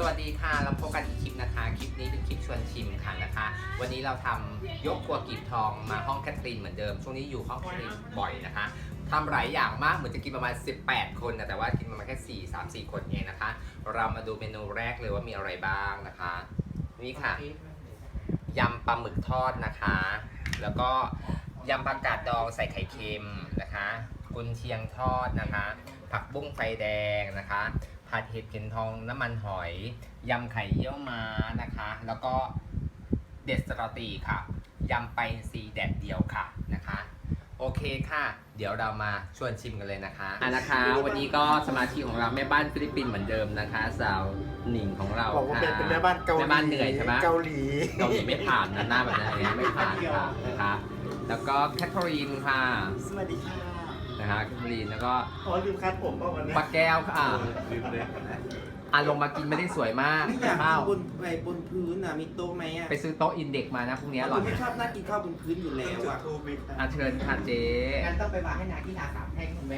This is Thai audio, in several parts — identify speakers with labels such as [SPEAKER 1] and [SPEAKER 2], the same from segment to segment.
[SPEAKER 1] วัสดีค่ะเราพบกันอีกคลิปนะคะคลิปนี้เป็นคลิปชวนชิมค่ะนะคะ วันนี้เราทำยกครัวกีบทองมาห้องแคทรีนเหมือนเดิมช่วงนี้อยู่ห้องแคทรีนบ่อยนะคะทำหลายอย่างมากเหมือนจะกินประมาณ18คนนะแต่ว่ากินประมาณแค่3-4 คนเองนะคะ เรามาดูเมนูแรกเลยว่ามีอะไรบ้างนะคะนี่ค่ะยำปลาหมึกทอดนะคะ แล้วก็ยำผักกาดดองใส่ไข่เค็มนะคะกุนเชียงทอดนะคะผักบุ้งไฟแดงนะคะผัดเห็ดเข็มทองน้ำมันหอยยำไข่เยี่ยวม้านะคะแล้วก็เด็ดสตอตีค่ะยำไปซีแดดเดียวค่ะนะคะโอเคค่ะเดี๋ยวเรามาชวนชิมกันเลยนะคะนะคะวันนี้ก็สมาชิกของเราแม่บ้านฟิลิปปินส์เหมือนเดิมนะคะสาวหนิงของเรา
[SPEAKER 2] บอกว่า
[SPEAKER 1] ค่ะ
[SPEAKER 2] เป็นแม่บ้านเกาหลี
[SPEAKER 1] แม่บ้านเหนื่อยใช่ไหม
[SPEAKER 2] เกาหลี
[SPEAKER 1] เกาหลีไม่ผ่านนะหน้าแบบนี้ไม่ผ่านค่ะนะคะแล้วก็แคทเธอรีนค่ะ
[SPEAKER 2] สวัสดีค่ะ
[SPEAKER 1] นะคะแคทเธอรีนแล้วก็
[SPEAKER 2] อ๋อลืมคัดผมเปล่าวันนี้
[SPEAKER 1] ป้าแก้วค่ะ
[SPEAKER 2] ลืมเลย
[SPEAKER 1] ลงมากินไม่ได้สวยมาก
[SPEAKER 3] ไม่อยาก
[SPEAKER 1] ข้าว
[SPEAKER 3] กินบนพื้นอ่ะมีโต๊ะไหมอ่ะ
[SPEAKER 1] ไปซื้อโต๊ะอินเด็กมานะพรุ่งนี้อร่อย
[SPEAKER 3] ไม่ชอบนั่งกินข้าวบนพื้นอยู่แล้วอ่ะ
[SPEAKER 1] เชิญค่ะเจ๊
[SPEAKER 3] งั้นต้องไปวางให้นาที่นาสามแท่งคุณแม่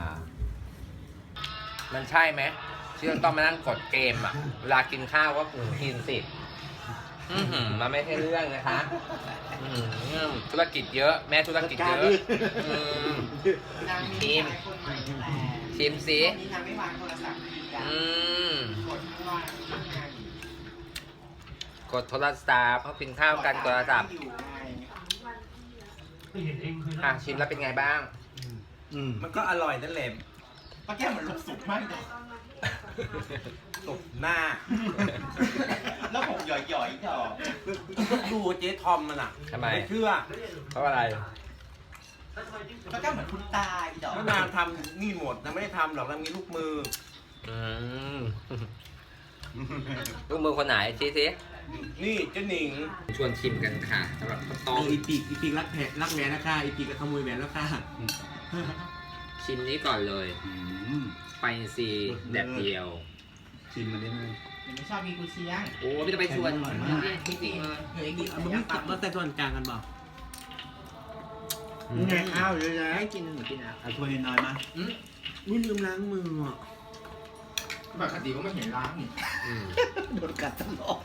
[SPEAKER 1] มันใช่ไหมที่เราต้องมานั่งกดเกมอ่ะเวลากินข้าวก็กินสิมันไม่ใช่เรื่องนะคะธุรกิจเยอะแม่ธุรกิจเยอะ
[SPEAKER 3] นาง
[SPEAKER 1] ชิม ชิมสิ
[SPEAKER 3] นี่นางไม่วางโทรศัพท์กดข้างล่าง
[SPEAKER 1] กดโทรศัพท์เขากินข้าวกันโทรศัพท์ชิมแล้วเป็นไงบ้าง
[SPEAKER 4] มันก็อร่อยนั่นแหละ
[SPEAKER 3] ป้าแก้วเหมือนลูกสุกมากเลย
[SPEAKER 4] ตบหน้า
[SPEAKER 3] แล้วผมหย่อยๆจ่อ
[SPEAKER 4] ดูเจ๊ทอมมันอ่ะ
[SPEAKER 1] ทำไม
[SPEAKER 4] ไม่เชื่อ
[SPEAKER 1] เพราะอะไร
[SPEAKER 3] ป้าแก้วเหมือนคุณตาอีจ่อ
[SPEAKER 4] เมื่อนานทำนี่หมดนะไม่ได้ทำหรอกนะมีลูกมือ
[SPEAKER 1] ลูกมือคนไหนชี้สิ
[SPEAKER 4] นี่เจ๊หนิง
[SPEAKER 1] ชวนชิมกันค่ะสำหรับข้าวต้ม
[SPEAKER 5] อีปีกรักแหแหวนแล้วค่ะอีปีกก็ขโมยแหวนแล้วค่ะ
[SPEAKER 1] ชิมนี้ก่อนเลยไปซีแดดเดียว
[SPEAKER 5] ชิมมันได้ไหม
[SPEAKER 3] ไม่ชอบกินกุเชียง
[SPEAKER 1] โอ้ไม่ต้องไปชวนจริงๆเลย
[SPEAKER 3] เฮ้ยกิน
[SPEAKER 5] มันไม่ตัดมาแต่ส่วนกลางกันบอก
[SPEAKER 2] นี่ไงข้าวเยอะแยะ
[SPEAKER 3] ให้กินหนูกินอ่ะ
[SPEAKER 5] เอาถ้วยน้อยมาอุ้ยลืมล้างมืออ่ะ
[SPEAKER 3] ปกติก็ไม่เห็นล้างนี่
[SPEAKER 2] โดนกัดตลอด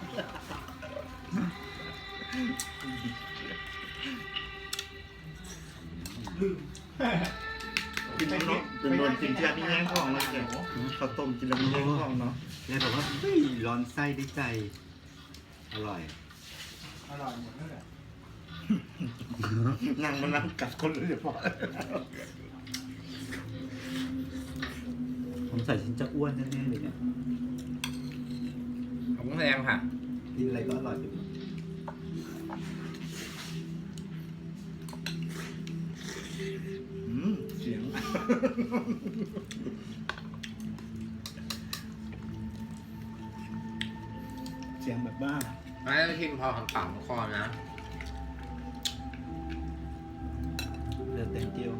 [SPEAKER 2] กินแล้วเนาะเป็นโดนกินเทียบนี่แย่งของเลยแกข้าวต้มกินแล้วมีแย่งของเนาะ
[SPEAKER 5] เนี่ยบอกว่าเฮ้ยร้อนไส้ได้ใจ อร่อย
[SPEAKER 3] อร่อยหมดนั่นแหละ
[SPEAKER 2] นั่งมานั่งกัดคนเลยพอ
[SPEAKER 5] ผมใส่ฉันจะอ้วนแน่ๆเลยเนี่ย
[SPEAKER 1] ขอบคุณแรงค่ะ
[SPEAKER 5] กินอะไรก็อร่อยไปหมด
[SPEAKER 2] เสียงเสียงแบบบ้า
[SPEAKER 1] ไม่ชิมพอขำๆคอนะ
[SPEAKER 5] เลือดเต็มเจียว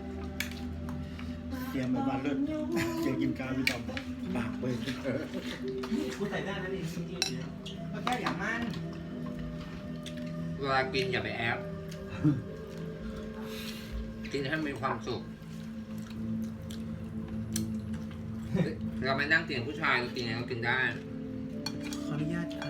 [SPEAKER 2] เสียงแบบบ้าเลิศเสียงกินกาวพี่ตอมปากเว้ย
[SPEAKER 3] กูใส่หน้านั่นเองจริงๆเนี่ยป้าแก้วอย่ามั่น
[SPEAKER 1] เวลากินอย่าไปแอบกินให้มีความสุขเราไม่นั่งเตียงผู้ชายเรากินยังไงก็กินได้
[SPEAKER 5] ขออนุญาตค่ะ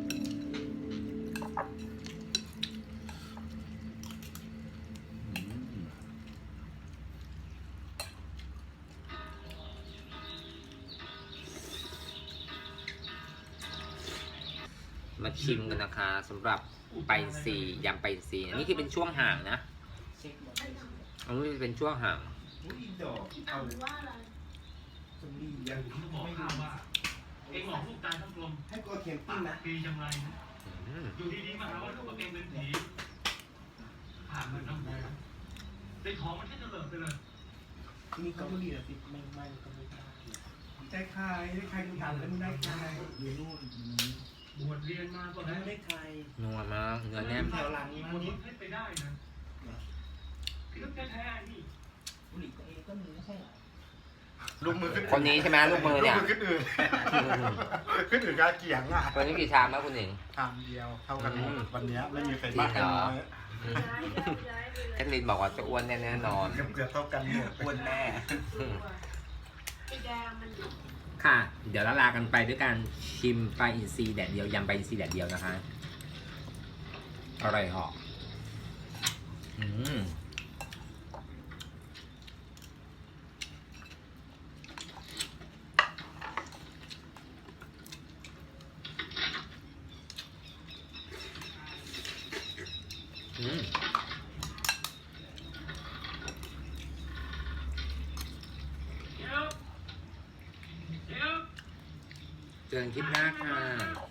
[SPEAKER 1] มาชิมกันนะคะสำหรับไปซียำไปซีอันนี้คือเป็นช่วงห่างนะอันนี้เป็นช่วงห่าง
[SPEAKER 3] เอาสำลียังไม่รู้
[SPEAKER 6] เองหลอกลูกตายทั้งกลม
[SPEAKER 3] ให้กลัวเข็มติ้มนะ
[SPEAKER 6] ปีจังไรนะอยู่ดีๆมาหาว่าลูกตัวเองเป็นผีผ่านมันทั้งหมดได้ของมันแค่จะเลิกไปเลย
[SPEAKER 3] นี่ก็ไม่ดีนะสิไม่ก็ไม่ได้ได้ใครกูถามแล้วมึงได้ใครอยู่นู่น
[SPEAKER 6] บวชเรียนมาก็
[SPEAKER 3] แล้
[SPEAKER 6] แล้ว ว
[SPEAKER 3] ได้ใคร
[SPEAKER 1] นัวมากเนื้อแน่น
[SPEAKER 3] แถวหลังนี้
[SPEAKER 6] ม
[SPEAKER 3] มัน
[SPEAKER 6] นุษย์ให้ไปได้นะพี่ก็แท้ๆนี่
[SPEAKER 3] บุหรี่ตัวเองก็มีไม่ใช่เหรอ
[SPEAKER 2] ลูกมือขึ้น
[SPEAKER 1] คนนี้ใช่ไหมลูกมือเนี่ย
[SPEAKER 2] ลูกมือขึ้นอื่นขึ้นอื่นกาเกียงอ่ะ
[SPEAKER 1] วันนี้กี่ชามแล้วคุณหนิง
[SPEAKER 2] ชามเดียวเท่ากันหมดวันนี้ไม่มีใคร
[SPEAKER 1] จริ
[SPEAKER 2] มาง ก
[SPEAKER 1] เหรอ
[SPEAKER 2] น้อย
[SPEAKER 1] แคทลินบอกว่าจะอ้วนแน่นอน
[SPEAKER 2] เกือบเท่ากันหมด
[SPEAKER 4] อ้วนแน่
[SPEAKER 1] ค่ะ เดี๋ยวเราลากันไปด้วยการชิมปลาอินทรีแดดเดียวยำปลาอินทรีแดดเดียวนะคะ อร่อยเหาะเจอกันคลิปหน้าค่ะ